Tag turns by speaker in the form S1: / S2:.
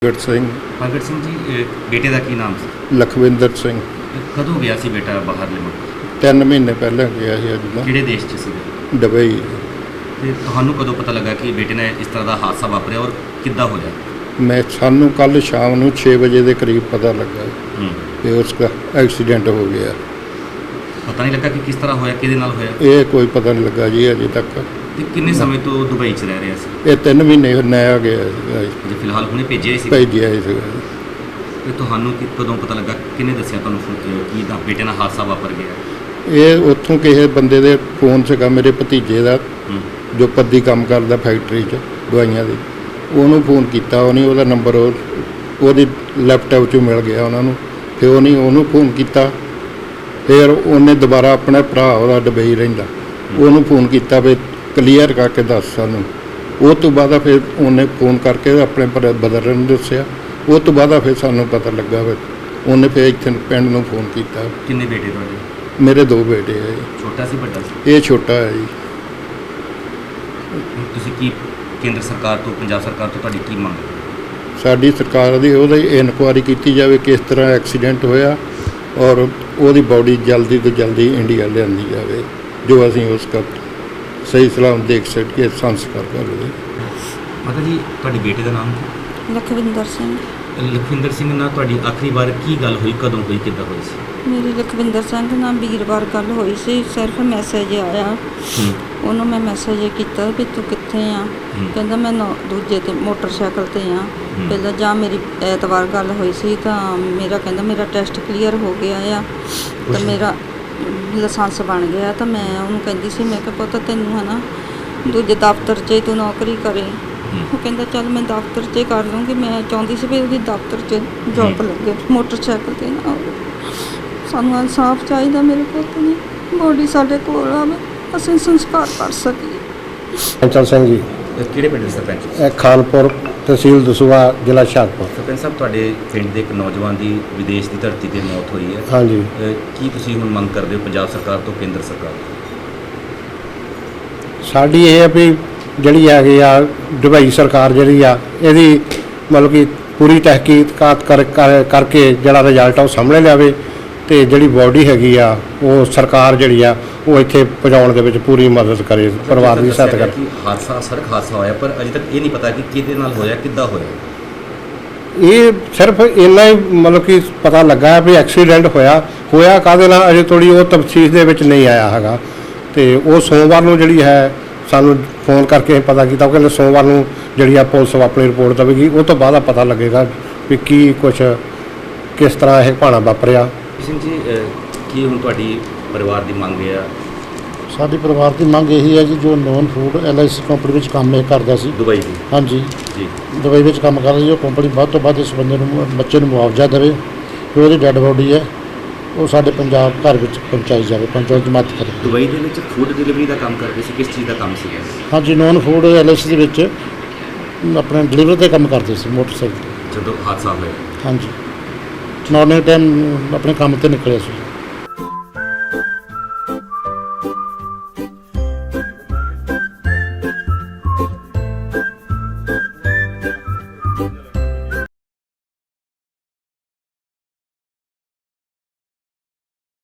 S1: ਪ੍ਰਗਟ ਸਿੰਘ।
S2: ਪ੍ਰਗਟ ਸਿੰਘ ਜੀ, ਬੇਟੇ ਦਾ ਕੀ ਨਾਮ ਸੀ?
S1: ਲਖਵਿੰਦਰ ਸਿੰਘ।
S2: ਕਦੋਂ ਗਿਆ ਸੀ ਬੇਟਾ ਬਾਹਰਲੇ ਮੁਲਕ?
S1: 3 ਮਹੀਨੇ ਪਹਿਲਾਂ ਗਿਆ ਸੀ ਅੱਜ ਦਾ।
S2: ਕਿਹੜੇ ਦੇਸ਼ 'ਚ ਸੀ?
S1: ਦੁਬਈ।
S2: ਤੇ ਤੁਹਾਨੂੰ ਕਦੋਂ ਪਤਾ ਲੱਗਾ ਕਿ ਬੇਟੇ ਨੇ ਇਸ ਤਰ੍ਹਾਂ ਦਾ ਹਾਦਸਾ ਵਾਪਰਿਆ ਔਰ ਕਿੱਦਾਂ ਹੋਇਆ?
S1: ਸਾਨੂੰ ਕੱਲ ਸ਼ਾਮ ਨੂੰ 6 ਵਜੇ ਦੇ ਕਰੀਬ ਪਤਾ ਲੱਗਾ ਕਿ ਉਸਦਾ ਐਕਸੀਡੈਂਟ ਹੋ ਗਿਆ।
S2: ਪਤਾ ਨਹੀਂ ਲੱਗਾ ਕਿ ਕਿਸ ਤਰ੍ਹਾਂ ਹੋਇਆ, ਕਿਹਦੇ ਨਾਲ ਹੋਇਆ?
S1: ਇਹ ਕੋਈ ਪਤਾ ਨਹੀਂ ਲੱਗਾ ਜੀ ਅਜੇ ਤੱਕ।
S2: ਤੇ ਕਿੰਨੇ ਸਮੇਂ ਤੋਂ ਦੁਬਈ 'ਚ ਰਹਿ ਰਿਹਾ ਸੀ?
S1: ਇਹ 3 ਮਹੀਨੇ ਨਇਆ ਗਿਆ ਸੀਗਾ ਜੀ।
S2: ਜੇ ਫਿਲਹਾਲ ਹੁਣੇ ਭੇਜਿਆ ਸੀ?
S1: ਭੇਜਿਆ ਹੀ ਸੀਗਾ।
S2: ਤੇ ਤੁਹਾਨੂੰ ਕਦੋਂ ਪਤਾ ਲੱਗਾ, ਕਿਹਨੇ ਦੱਸਿਆ ਤੁਹਾਨੂੰ ਕਿ ਤਾਂ ਬੇਟੇ ਨਾਲ ਹਾਦਸਾ ਵਾਪਰ ਗਿਆ?
S1: ਇਹ ਉੱਥੋਂ ਕਿਸੇ ਬੰਦੇ ਦੇ ਫੋਨ ਸੀਗਾ, ਮੇਰੇ ਭਤੀਜੇ ਦਾ, ਜੋ ਪੱਦੀ ਕੰਮ ਕਰਦਾ ਫੈਕਟਰੀ 'ਚ ਦਵਾਈਆਂ ਦੀ। ਉਹਨੂੰ ਫੋਨ ਕੀਤਾ, ਉਹਦਾ ਨੰਬਰ ਉਹਦੀ ਲੈਪਟਾਪ 'ਚੋਂ ਮਿਲ ਗਿਆ ਉਹਨਾਂ ਨੂੰ। ਫਿਰ ਉਹਨੂੰ ਫੋਨ ਕੀਤਾ। ਫਿਰ ਉਹਨੇ ਦੁਬਾਰਾ ਆਪਣਾ ਭਰਾ, ਉਹਦਾ ਦੁਬਈ ਰਹਿੰਦਾ, ਉਹਨੂੰ ਫੋਨ ਕੀਤਾ ਵੀ ਕਲੀਅਰ ਕਰਕੇ ਦੱਸ ਸਾਨੂੰ। ਉਹ ਤੋਂ ਬਾਅਦ ਫਿਰ ਉਹਨੇ ਫੋਨ ਕਰਕੇ ਆਪਣੇ ਬ੍ਰਦਰ ਨੂੰ ਦੱਸਿਆ। ਉਹ ਤੋਂ ਬਾਅਦ ਫਿਰ ਸਾਨੂੰ ਪਤਾ ਲੱਗਾ। ਫਿਰ ਉਹਨੇ ਫਿਰ ਇੱਥੇ ਪਿੰਡ ਨੂੰ ਫੋਨ ਕੀਤਾ।
S2: ਕਿੰਨੇ ਬੇਟੇ ਤੁਹਾਡੇ?
S1: ਮੇਰੇ 2 ਬੇਟੇ ਹੈ ਜੀ।
S2: ਛੋਟਾ ਸੀ ਵੱਡਾ ਸੀ?
S1: ਇਹ ਛੋਟਾ ਹੈ ਜੀ।
S2: ਤੁਸੀਂ ਕੀ ਕੇਂਦਰ ਸਰਕਾਰ ਤੋਂ, ਪੰਜਾਬ ਸਰਕਾਰ ਤੋਂ ਤੁਹਾਡੀ ਕੀ ਮੰਗ?
S1: ਸਾਡੀ ਸਰਕਾਰ ਦੀ ਉਹਦੀ ਇਨਕੁਆਇਰੀ ਕੀਤੀ ਜਾਵੇ ਕਿਸ ਤਰ੍ਹਾਂ ਐਕਸੀਡੈਂਟ ਹੋਇਆ, ਔਰ ਉਹਦੀ ਬਾਡੀ ਜਲਦੀ ਤੋਂ ਜਲਦੀ ਇੰਡੀਆ ਲਿਆਂਦੀ ਜਾਵੇ, ਜੋ ਅਸੀਂ ਉਸ ਦਾ ਸਹੀ ਸਲਾਮ ਦੇਖ ਸਕੀਏ, ਸੰਸਕਾਰ ਕਰ ਲਈਏ।
S2: ਮਾਤਾ ਜੀ, ਤੁਹਾਡੇ ਬੇਟੇ ਦਾ ਨਾਮ ਕੀ?
S3: ਲਖਵਿੰਦਰ ਸਿੰਘ।
S2: ਲਖਵਿੰਦਰ ਸਿੰਘ ਨਾਲ ਤੁਹਾਡੀ ਆਖਰੀ ਵਾਰ ਕੀ ਗੱਲ ਹੋਈ, ਕਦੋਂ ਹੋਈ, ਕਿੱਦਾਂ ਹੋਈ ਸੀ?
S3: ਮੇਰੀ ਲਖਵਿੰਦਰ ਸਿੰਘ ਨਾਲ ਵੀਰਵਾਰ ਗੱਲ ਹੋਈ ਸੀ। ਸਿਰਫ ਮੈਸੇਜ ਆਇਆ, ਉਹਨੂੰ ਮੈਂ ਮੈਸੇਜ ਕੀਤਾ ਵੀ ਤੂੰ ਕਿੱਥੇ ਆ? ਕਹਿੰਦਾ ਮੈਂ ਦੂਜੇ ਤੇ ਮੋਟਰਸਾਈਕਲ ਤੇ ਆ। ਪਹਿਲਾਂ ਜਾਂ ਮੇਰੀ ਐਤਵਾਰ ਗੱਲ ਹੋਈ ਸੀ ਤਾਂ ਕਹਿੰਦਾ ਮੇਰਾ ਟੈਸਟ ਕਲੀਅਰ ਹੋ ਗਿਆ ਆ ਤਾਂ ਮੇਰਾ ਲਾਇਸੈਂਸ ਬਣ ਗਿਆ। ਤਾਂ ਮੈਂ ਉਹਨੂੰ ਕਹਿੰਦੀ ਸੀ, ਮੈਂ ਕਿਹਾ ਪੁੱਤ ਤੈਨੂੰ ਹੈ ਨਾ ਦੂਜੇ ਦਫ਼ਤਰ 'ਚ ਤੂੰ ਨੌਕਰੀ ਕਰੇ। ਉਹ ਕਹਿੰਦਾ ਚੱਲ ਮੈਂ ਦਫ਼ਤਰ 'ਚ ਕਰ ਲੂੰਗੀ। ਮੈਂ ਚਾਹੁੰਦੀ ਸੀ ਵੀ ਉਹਦੀ ਦਫ਼ਤਰ 'ਚ ਜੌਬ ਲੱਗੇ, ਮੋਟਰਸਾਈਕਲ 'ਤੇ ਨਾ ਹੋਵੇ। ਸਾਨੂੰ ਇਨਸਾਫ ਚਾਹੀਦਾ, ਮੇਰੇ ਪੁੱਤ ਦੀ ਬੋਡੀ ਸਾਡੇ ਕੋਲ ਆਵੇ, ਅਸੀਂ ਸੰਸਕਾਰ ਕਰ ਸਕੀਏ।
S4: ਚੰਚਲ ਸਿੰਘ ਜੀ।
S2: ਕਿਹੜੇ ਪਿੰਡ ਦੇ ਸਰਪੰਚ?
S4: ਇਹ ਖਾਨਪੁਰ, ਤਹਿਸੀਲ ਦਸੂਹਾ, ਜ਼ਿਲ੍ਹਾ ਹੁਸ਼ਿਆਰਪੁਰ।
S2: ਸਰਪੰਚ ਸਾਹਿਬ, ਤੁਹਾਡੇ ਪਿੰਡ ਦੇ ਇੱਕ ਨੌਜਵਾਨ ਦੀ ਵਿਦੇਸ਼ ਦੀ ਧਰਤੀ 'ਤੇ ਮੌਤ ਹੋਈ ਹੈ।
S4: ਹਾਂਜੀ।
S2: ਕੀ ਤੁਸੀਂ ਹੁਣ ਮੰਗ ਕਰਦੇ ਹੋ ਪੰਜਾਬ ਸਰਕਾਰ ਤੋਂ, ਕੇਂਦਰ ਸਰਕਾਰ ਤੋਂ?
S4: ਸਾਡੀ ਇਹ ਹੈ ਵੀ ਜਿਹੜੀ ਹੈਗੀ ਆ ਦੁਬਈ ਸਰਕਾਰ ਜਿਹੜੀ ਆ, ਇਹਦੀ ਮਤਲਬ ਕਿ ਪੂਰੀ ਤਹਿਕੀਕਾਤ ਕਰਕੇ ਜਿਹੜਾ ਰਿਜ਼ਲਟ ਆ ਉਹ ਸਾਹਮਣੇ ਲਿਆਵੇ, ਅਤੇ ਜਿਹੜੀ ਬਾਡੀ ਹੈਗੀ ਆ ਉਹ ਸਰਕਾਰ ਜਿਹੜੀ ਆ ਉਹ ਇੱਥੇ ਪਹੁੰਚਾਉਣ ਦੇ ਵਿੱਚ ਪੂਰੀ ਮਦਦ ਕਰੇ, ਪਰਿਵਾਰ ਦੀ ਸਹਾਇਤਾ ਕਰੇ।
S2: ਹਾਦਸਾ ਸੜਕ ਹਾਦਸਾ ਹੋਇਆ, ਪਰ ਅਜੇ ਤੱਕ ਇਹ ਨਹੀਂ ਪਤਾ ਕਿ ਕਿਹਦੇ ਨਾਲ ਹੋਇਆ, ਕਿੱਦਾਂ ਹੋਇਆ।
S4: ਇਹ ਸਿਰਫ ਇੰਨਾ ਹੀ ਮਤਲਬ ਕਿ ਪਤਾ ਲੱਗਾ ਵੀ ਐਕਸੀਡੈਂਟ ਹੋਇਆ ਕਾਹਦੇ ਨਾਲ, ਅਜੇ ਥੋੜ੍ਹੀ ਉਹ ਤਫਸੀਲ ਦੇ ਵਿੱਚ ਨਹੀਂ ਆਇਆ ਹੈਗਾ। ਅਤੇ ਉਹ ਸੋਮਵਾਰ ਨੂੰ ਜਿਹੜੀ ਹੈ ਸਾਨੂੰ ਫੋਨ ਕਰਕੇ ਪਤਾ ਕੀਤਾ। ਉਹ ਕਹਿੰਦੇ ਸੋਮਵਾਰ ਨੂੰ ਜਿਹੜੀ ਆ ਪੁਲਿਸ ਆਪਣੀ ਰਿਪੋਰਟ ਦੇਵੇਗੀ, ਉਹ ਤੋਂ ਬਾਅਦ ਪਤਾ ਲੱਗੇਗਾ ਵੀ ਕੀ ਕੁਛ ਕਿਸ ਤਰ੍ਹਾਂ ਇਹ ਭਾਣਾ ਵਾਪਰਿਆ।
S2: ਸਿੰਘ ਜੀ, ਕੀ ਹੁਣ ਤੁਹਾਡੀ ਪਰਿਵਾਰ ਦੀ ਮੰਗ ਹੈ?
S5: ਸਾਡੀ ਪਰਿਵਾਰ ਦੀ ਮੰਗ ਇਹੀ ਹੈ ਜੀ, ਜੋ ਨੋਨ ਫੂਡ LIC ਕੰਪਨੀ ਵਿੱਚ ਕੰਮ ਇਹ ਕਰਦਾ ਸੀ
S2: ਦੁਬਈ ਦੀ।
S5: ਹਾਂਜੀ
S2: ਜੀ।
S5: ਦੁਬਈ ਵਿੱਚ ਕੰਮ ਕਰਦਾ ਸੀ। ਉਹ ਕੰਪਨੀ ਵੱਧ ਤੋਂ ਵੱਧ ਇਸ ਬੰਦੇ ਨੂੰ, ਬੱਚੇ ਨੂੰ ਮੁਆਵਜ਼ਾ ਦੇਵੇ, ਜੋ ਉਹਦੀ ਡੈੱਡ ਬੋਡੀ ਹੈ ਉਹ ਸਾਡੇ ਪੰਜਾਬ ਘਰ ਵਿੱਚ ਪਹੁੰਚਾਈ ਜਾਵੇ, ਪੰਚਾਇਤ ਜਮਾਤ ਕਰੇ।
S2: ਦੁਬਈ ਦੇ ਵਿੱਚ ਫੂਡ ਡਿਲੀਵਰੀ ਦਾ ਕੰਮ ਕਰਦੇ ਸੀ, ਕਿਸ ਚੀਜ਼ ਦਾ ਕੰਮ ਸੀਗਾ?
S5: ਹਾਂਜੀ, ਨੋਨ ਫੂਡ LIC ਦੇ ਵਿੱਚ ਆਪਣੇ ਡਿਲੀਵਰੀ ਦਾ ਕੰਮ ਕਰਦੇ ਸੀ ਮੋਟਰਸਾਈਕਲ।
S2: ਜਦੋਂ ਹਾਦਸਾ ਹੋਇਆ?
S5: ਹਾਂਜੀ, ਮਾਰਨਿੰਗ ਟਾਈਮ ਆਪਣੇ ਕੰਮ 'ਤੇ ਨਿਕਲਿਆ ਸੀ।